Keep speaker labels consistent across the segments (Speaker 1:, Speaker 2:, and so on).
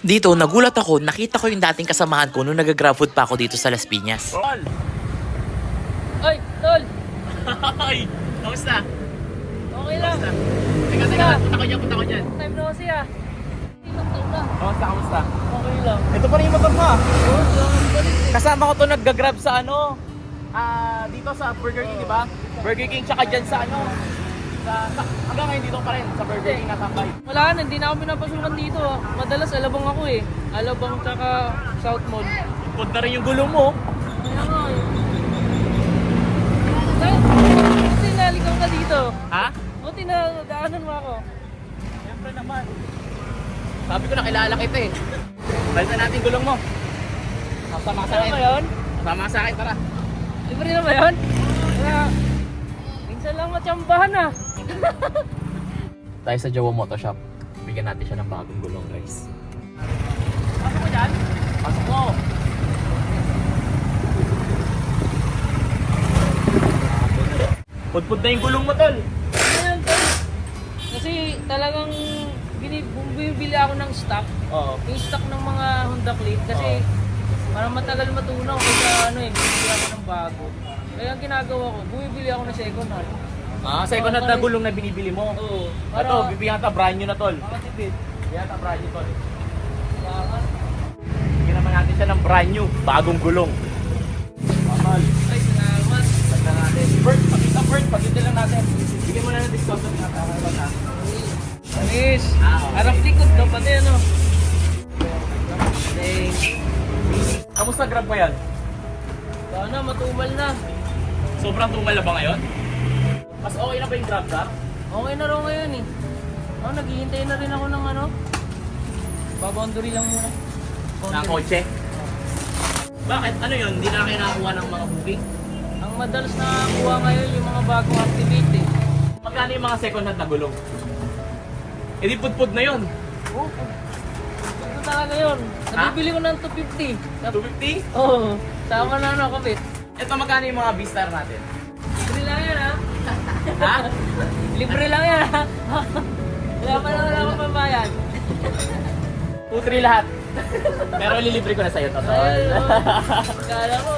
Speaker 1: Dito, nagulat ako, nakita ko yung dating kasamahan ko nung nag-grab food pa ako dito sa Las Piñas.
Speaker 2: Tol!
Speaker 3: Ay, tol!
Speaker 2: Ay! Kamusta?
Speaker 3: Okay lang.
Speaker 2: Teka, punta ko dyan.
Speaker 3: Time na kasi ah. Ilang na.
Speaker 2: Kamusta?
Speaker 3: Okay lang.
Speaker 2: Ito pa rin yung motor mo.
Speaker 3: Oo, salamat pa rin eh.
Speaker 2: Kasama ko to nag-grab sa dito sa Burger King, di ba? Burger King tsaka dyan sa hanggang ngayon dito pa rin, sa Burger King natambay.
Speaker 3: Wala na, hindi na ako pinapasukan dito ah. Madalas alabang ako eh. Alabang tsaka South Mall.
Speaker 2: Pud na rin yung gulong mo.
Speaker 3: Kaya nga eh. Buti naligaw ka dito.
Speaker 2: Ha?
Speaker 3: Buti na daanan mo ako.
Speaker 2: Siyempre naman. Sabi ko nakilala kita eh. Balitan natin yung gulong mo. Kasama ka sa
Speaker 3: Ano
Speaker 2: akin.
Speaker 3: ba yun?
Speaker 2: Kasama ka sa akin, tara.
Speaker 3: Libre na ba yun? Kaya, minsan lang matsambahan ah.
Speaker 2: Tayo sa Jawa Moto Shop. Bigyan natin siya ng bagong gulong, guys. Pasok mo dyan? Pasok mo! Pudpud na yung gulong mo, tol.
Speaker 3: Ayan, tol. Kasi talagang bumibili ako ng stock.
Speaker 2: Oo.
Speaker 3: Yung stock ng mga Honda Click kasi para matagal matunaw kaysa bumibili ako ng bago. Kaya ang ginagawa ko, bumibili ako ng second hand.
Speaker 2: Second hand na gulong na binibili mo.
Speaker 3: Oo.
Speaker 2: Ito, bibigyan ka brand new na, tol.
Speaker 3: Makatipid.
Speaker 2: Bibigyan ka brand new, tol.
Speaker 3: Kaya,
Speaker 2: Bigyan naman natin siya ng brand new, bagong gulong. Mamal.
Speaker 3: ay, salamat.
Speaker 2: Pagka natin. Bert, pagkita lang natin. Bigyan mo na ng discount na nakakalaban ha.
Speaker 3: Anis.
Speaker 2: Okay.
Speaker 3: Harap likod daw pati ano.
Speaker 2: Kamusta grab mo yan?
Speaker 3: Sana matumal na.
Speaker 2: Sobrang tumal na ba ngayon? Mas okay na ba yung grab ka?
Speaker 3: Okay na raw ngayon eh. Naghihintay na rin ako ng ano. Baboundary lang muna.
Speaker 2: Ng kotse? Bakit? Ano yun? Hindi na kayo nakakuha ng mga booking?
Speaker 3: Ang madalas nakakuha ngayon yung mga bagong activate eh.
Speaker 2: Magkano yung mga second hand na gulong? Eh di pudpud na yun.
Speaker 3: Oo. Ito talaga yun. Nabibili ko ng 250.
Speaker 2: 250?
Speaker 3: Oo. Tama na ano, kapit.
Speaker 2: Ito magkano yung mga V-Star natin?
Speaker 3: Libre lang yan ha.
Speaker 2: Ha?
Speaker 3: Libre lang yan ha. Wala akong pambayad.
Speaker 2: 2-3 lahat. Pero ililibre ko na sa'yo, totoo.
Speaker 3: Ay, kala ko.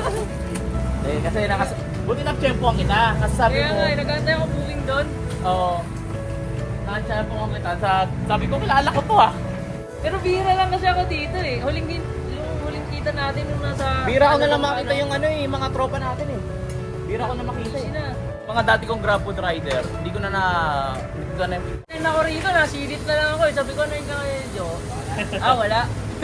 Speaker 2: Kasi buti na tiyempo ang kita. Kasi sabi
Speaker 3: Kaya
Speaker 2: mo,
Speaker 3: nga, nagantay ako booking doon.
Speaker 2: oo. Nakatiyempo ang kita. Sabi ko, kilala ko to ah.
Speaker 3: Pero bihira lang kasi ako dito eh. Yung huling kita natin nung nasa...
Speaker 2: Bira ko na lang makita yung mga tropa natin eh. Bira ko na makita eh.
Speaker 3: Sina?
Speaker 2: Mga dati kong grab food rider, hindi ko na
Speaker 3: Ayun ako rito, nasidit na lang ako eh. Sabi ko na yung kaya Jo. Wala.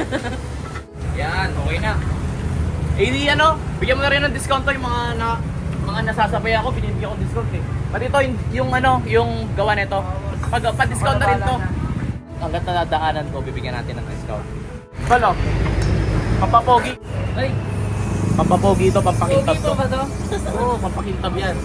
Speaker 2: Yan, okay na. Eh di bigyan mo na rin ng discount to yung mga nasasabay ako, binibigyan ko discount eh. Pati ito yung gawa nito. Pa-discount na rin to. Hanggat nadadaanan ko, bibigyan natin ng discount. Balo, pampapogi.
Speaker 3: Ay,
Speaker 2: Pampapogi ito, pampakintab
Speaker 3: pogi
Speaker 2: to.
Speaker 3: pa ba to?
Speaker 2: Oo, pampakintab yan.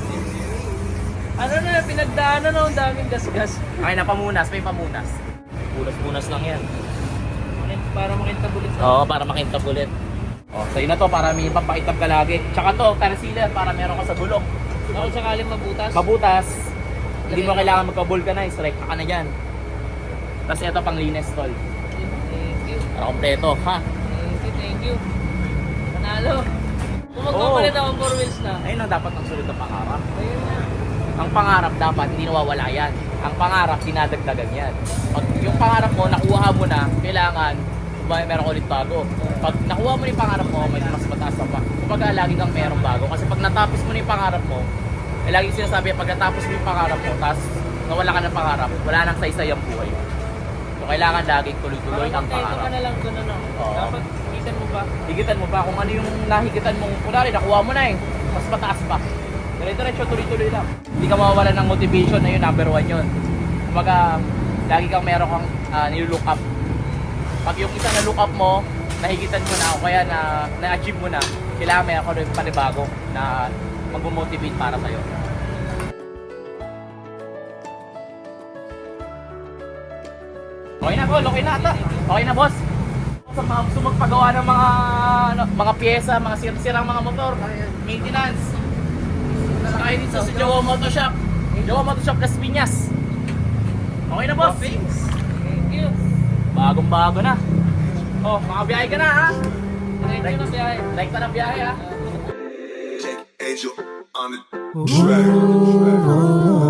Speaker 3: Ano na, pinagdaanan na ang daming gasgas.
Speaker 2: Okay na, pamunas, may pamunas. Punas-punas lang yan.
Speaker 3: Para makintab ulit sa...
Speaker 2: Oo, para makintab ulit. Oh, sa'yo na to, para may pampakintab ka lagi. Tsaka to, concealer, para meron ka sa gulong.
Speaker 3: Ako sakaling mabutas.
Speaker 2: Mabutas, hindi mo kailangan magka-vulcanize, strike ka na dyan. Tapos ito pang linis, tol.
Speaker 3: Thank you.
Speaker 2: Para kompleto, ha?
Speaker 3: Thank you. Panalo. Kung magpapalit ako 4 wheels na.
Speaker 2: Ayun ang dapat ang sunod na pangarap.
Speaker 3: Ayun na.
Speaker 2: Ang pangarap dapat, hindi nawawala yan. Ang pangarap, dinadagdagan yan. Pag yung pangarap mo, nakuha mo na, kailangan, meron ulit bago. Pag nakuha mo na yung pangarap mo, may mas mataas pa. Kumbaga, lagi kang merong bago. Kasi pag natapos mo na yung pangarap mo, lagi sinasabi, pag natapos mo yung pangarap mo, tapos nawala ka ng pangarap, wala nang saysay ang buhay mo. So, kailangan laging tuloy-tuloy ang
Speaker 3: Ito
Speaker 2: pangarap.
Speaker 3: ka na lang doon ano.
Speaker 2: Oo.
Speaker 3: Dapat higitan mo ba?
Speaker 2: Higitan mo ba kung ano yung nahigitan mong kunwari, nakuha mo na eh. Mas mataas pa. Diretso, tuloy-tuloy lang. Hindi ka mawawalan ng motivation na yun, number 1 yun. Kumbaga, lagi kang meron kang nilook up. Pag yung isa na look up mo, nahigitan mo na o kaya na-achieve mo na, kailangan may ako rin panibago na mag-motivate para sa'yo. Okay na, Paul. Okay na ata. Okay na, boss. Sa mga gusto magpagawa ng mga pyesa, mga sirang mga motor, maintenance. Saka dito sa Jawa Moto Shop. Jawa Moto Shop Las Piñas. Okay na, boss.
Speaker 3: Thank you.
Speaker 2: Bagong-bago na. Oh, makabiyahe ka na ha.
Speaker 3: Diretso na biyahe.
Speaker 2: Like pa ng biyahe ha.
Speaker 4: Angel on the track.